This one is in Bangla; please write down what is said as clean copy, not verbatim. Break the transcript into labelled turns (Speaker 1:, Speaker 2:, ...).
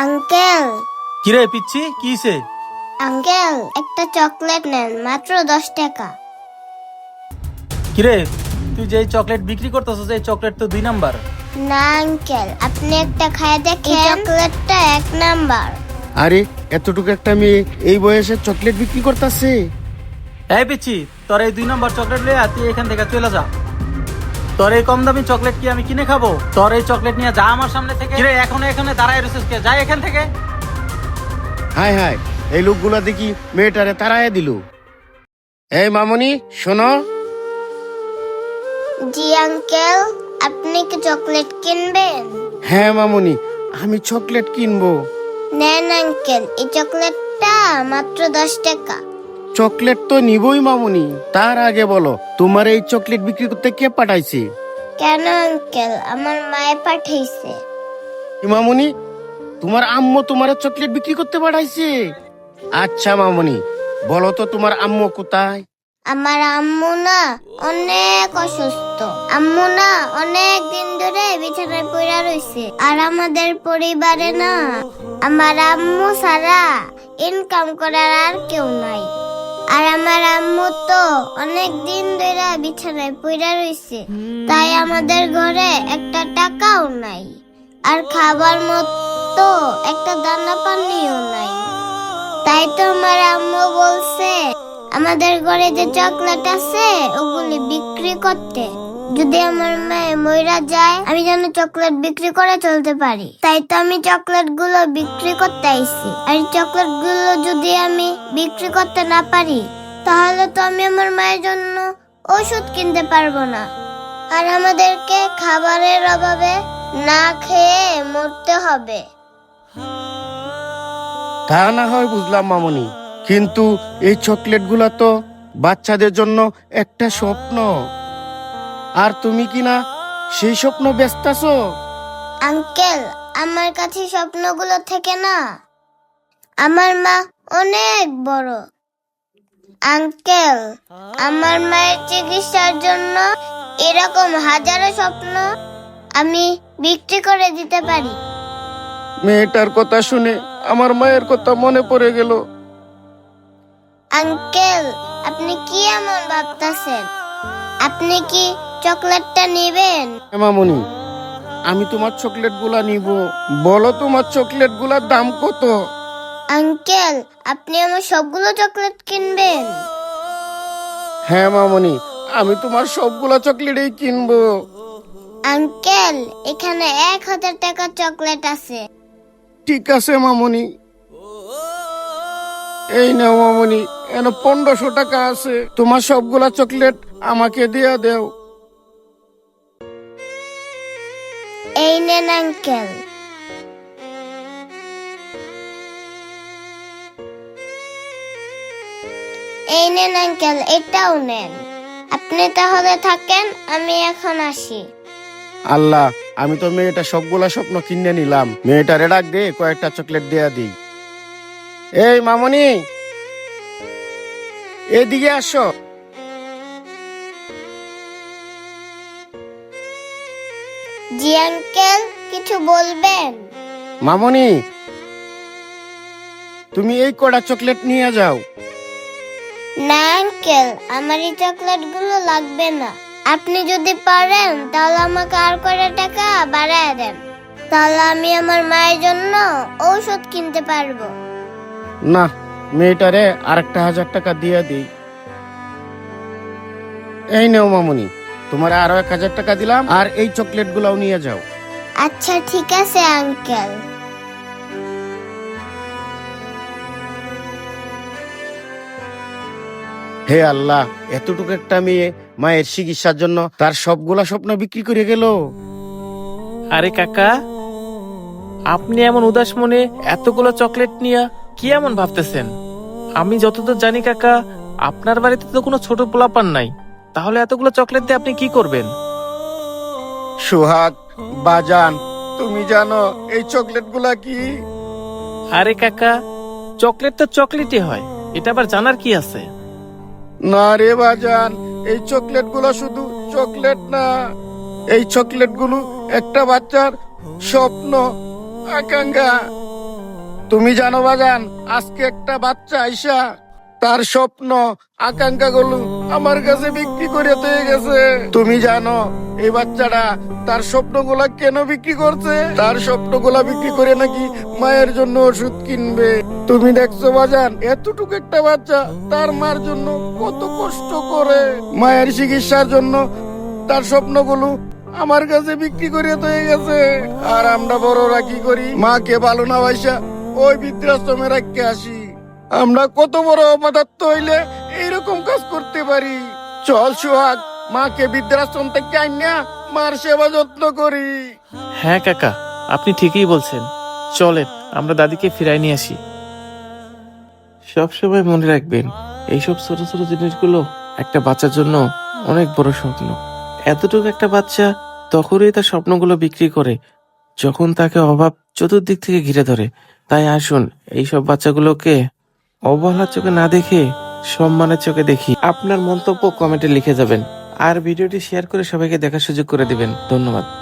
Speaker 1: আঙ্কেল,
Speaker 2: কিরে পিচ্ছি কিছে?
Speaker 1: আঙ্কেল একটা চকলেট নেন, মাত্র 10 টাকা।
Speaker 2: কিরে তুই যে চকলেট বিক্রি করতেছিস এই চকলেট তো 2 নাম্বার।
Speaker 1: না আঙ্কেল, আপনি একটা খায় দেখেন, চকলেটটা 1 নাম্বার।
Speaker 3: আরে এতটুকু একটা মেয়ে এই বয়সে চকলেট বিক্রি করতেছে?
Speaker 2: এই পিচ্ছি, তোর এই 2 নাম্বার চকলেট লইয়া তুই এখান থেকে চলে যা। তোর এই কম দামি চকলেট কি আমি কিনে খাবো? তোর এই চকলেট নিয়ে যা আমার সামনে থেকে। কিরে এখানে দাঁড়ায় রইছিস কে? যা এখান থেকে।
Speaker 3: হায় হায়, এই লোকগুলা দেখি মেয়েটারে তাড়ায় দিল। এই মামনি শোনো।
Speaker 1: জি আঙ্কেল, আপনি কি চকলেট কিনবেন?
Speaker 3: হ্যাঁ মামনি, আমি চকলেট কিনবো।
Speaker 1: নেন আঙ্কেল, এই চকলেটটা মাত্র 10 টাকা।
Speaker 3: চকলেট তো নিবই মামনি, তার আগে বলো তোমার এই চকলেট বিক্রি করতে কে পাঠাইছে?
Speaker 1: কেন আঙ্কেল, আমার মায়ে পাঠাইছে।
Speaker 3: কি মামনি, তোমার আম্মু তোমার চকলেট বিক্রি করতে পাঠাইছে? আচ্ছা মামনি, বলো তো তোমার আম্মু কোথায়?
Speaker 1: আমার আম্মু না অনেক অসুস্থ। আম্মু না অনেক দিন ধরে বিছানায় পড়ে রইছে। আর আমাদের পরিবারে না আমার আম্মু ছাড়া ইনকাম করার আর কেউ নাই। আর আমার আম্মু তো অনেক দিন ধরে বিছানায় পড়ে রইছে, তাই আমাদের ঘরে একটা টাকাও নাই। আর খাবার মতো একটা দানা পানিও নাই। তাই তো আমার আম্মু বলছে আমাদের ঘরে যে চকলেট আছে ওগুলি বিক্রি করতে। যদি আমার মেয়ে মইরা যায়, আমি যেন চকলেট বিক্রি করে চলতে পারি। তাই তো আমি চকলেট গুলো বিক্রি করতে আইছি। আর চকলেট গুলো যদি আমি বিক্রি করতে না পারি, তাহলে তো আমি আমার মায়ের জন্য ওষুধ কিনতে পারবো না। আর আমাদেরকে খাবারের অভাবে না খেয়ে মরতে হবে।
Speaker 3: তা না হয় বুঝলাম মামনি, কিন্তু এই চকলেট গুলা তো বাচ্চাদের জন্য একটা স্বপ্ন, আর তুমি কি না সেই স্বপ্ন ব্যস্তাছো?
Speaker 1: আঙ্কেল, আমার কাছে স্বপ্নগুলো থেকে না, আমার মা অনেক বড়। আঙ্কেল, আমার মায়ের চিকিৎসার জন্য এরকম হাজারো স্বপ্ন আমি বিক্রি করে দিতে পারি।
Speaker 3: মেয়েটার কথা শুনে আমার মায়ের কথা মনে পড়ে গেল।
Speaker 1: আঙ্কেল, আপনি কি এমন ভাবতেছেন? আপনি কি চকলেটটা নেবেন?
Speaker 3: মামনি, আমি তোমার চকলেট গুলা নিব। বলো তোমার চকলেট গুলার দাম কত?
Speaker 1: আঙ্কেল, আপনি আমার সবগুলো চকলেট কিনবেন?
Speaker 3: হ্যাঁ মামনি, আমি তোমার সবগুলা চকলেটই কিনবো।
Speaker 1: আঙ্কেল, এখানে 1000 টাকার চকলেট আছে।
Speaker 3: ঠিক আছে মামনি। এই নাও মামনি, এন 1500 টাকা আছে। তোমার সবগুলা চকলেট আমাকে দিয়া দেও।
Speaker 1: এই নেন আঙ্কেল। এই নেন আঙ্কেল, এটাও নেন। আপনি তাহলে থাকেন, আমি এখন আসি।
Speaker 3: আল্লাহ, আমি তো মেয়েটা সবগুলা স্বপ্ন কিনে নিলাম। মেয়েটারে ডাক দে, কয়েকটা চকলেট দেয়া দিই। এই মামনি, এদিকে আসো।
Speaker 1: জি আঙ্কেল, কিছু বলবেন?
Speaker 3: মামনি, তুমি এই কটা চকলেট নিয়ে যাও।
Speaker 1: না আঙ্কেল, আমার এই চকলেট গুলো লাগবে না। আপনি যদি পারেন তাহলে আমাকে আর কয়টা টাকা বাড়ায় দেন, তাহলে আমি আমার মায়ের জন্য ঔষধ কিনতে পারবো।
Speaker 3: না, মেয়েটারে আরেকটা 1000 টাকা দিয়ে দিই। এই নাও মামনি, তোমার আরো 1000 টাকা দিলাম, আর এই চকলেট গুলাও নিয়ে যাও।
Speaker 1: আচ্ছা ঠিক আছে আঙ্কেল।
Speaker 3: হে আল্লাহ, এতটুকু একটা মেয়ে মায়ের চিকিৎসার জন্য তার সবগুলা স্বপ্ন বিক্রি করে গেল।
Speaker 4: আরে কাকা, আপনি এমন উদাস মনে এতগুলো চকলেট নিয়ে কি এমন ভাবতেছেন? আমি যতদূর জানি কাকা, আপনার বাড়িতে তো কোনো ছোট পোলাপান নাই। তাহলে এতগুলো চকলেট দিয়ে আপনি কি করবেন?
Speaker 3: সোহাগ, বাজান, তুমি জানো এই চকলেট গুলা কি?
Speaker 4: আরে কাকা, চকলেট তো চকলেটই হয়, এটা আবার জানার কি আছে?
Speaker 3: না রে বাজান, এই চকলেট গুলো শুধু চকলেট না, এই চকলেট গুলো একটা বাচ্চার স্বপ্ন, আকাঙ্ক্ষা। তুমি জানো বাজান, আজকে একটা বাচ্চা আইসা তার স্বপ্ন আকাঙ্ক্ষা গুলো আমার কাছে বিক্রি করে দিয়ে গেছে। তুমি জানো এই বাচ্চাটা তার স্বপ্নগুলা কেন বিক্রি করছে? তার স্বপ্নগুলা বিক্রি করে নাকি মায়ের জন্য ওষুধ কিনবে। তুমি দেখছো বাজান, এতটুকু একটা বাচ্চা তার মার জন্য কত কষ্ট করে, মায়ের চিকিৎসার জন্য তার স্বপ্নগুলো আমার কাছে বিক্রি করে দিয়ে গেছে। আর আমরা বড়রা কি করি? মাকে ভালো না বাসা ওই বৃদ্ধাশ্রমে রাখতে আসি। আমরা কত বড় অপদার্থ হইলে এইরকম কাজ করতে পারি। চল সোহাগ, মাকে বৃদ্ধাশ্রম থেকে আইনা মার সেবা যত্ন করি।
Speaker 4: হ্যাঁ কাকা, আপনি ঠিকই বলছেন। চলেন আমরা দাদিকে ফিরাই নিয়ে আসি। সবসময় মনে রাখবেন, এইসব ছোট ছোট জিনিসগুলো একটা বাচ্চার জন্য অনেক বড় স্বপ্ন। এতটুকু একটা বাচ্চা তখনই তার স্বপ্নগুলো বিক্রি করে যখন তাকে অভাব চতুর্দিক থেকে ঘিরে ধরে। তাই আসুন এইসব বাচ্চাগুলোকে অবহেলার চোখে না দেখে সম্মানের চোখে দেখি। আপনার মন্তব্য কমেন্টে লিখে যাবেন আর ভিডিওটি শেয়ার করে সবাইকে দেখার সুযোগ করে দিবেন। ধন্যবাদ।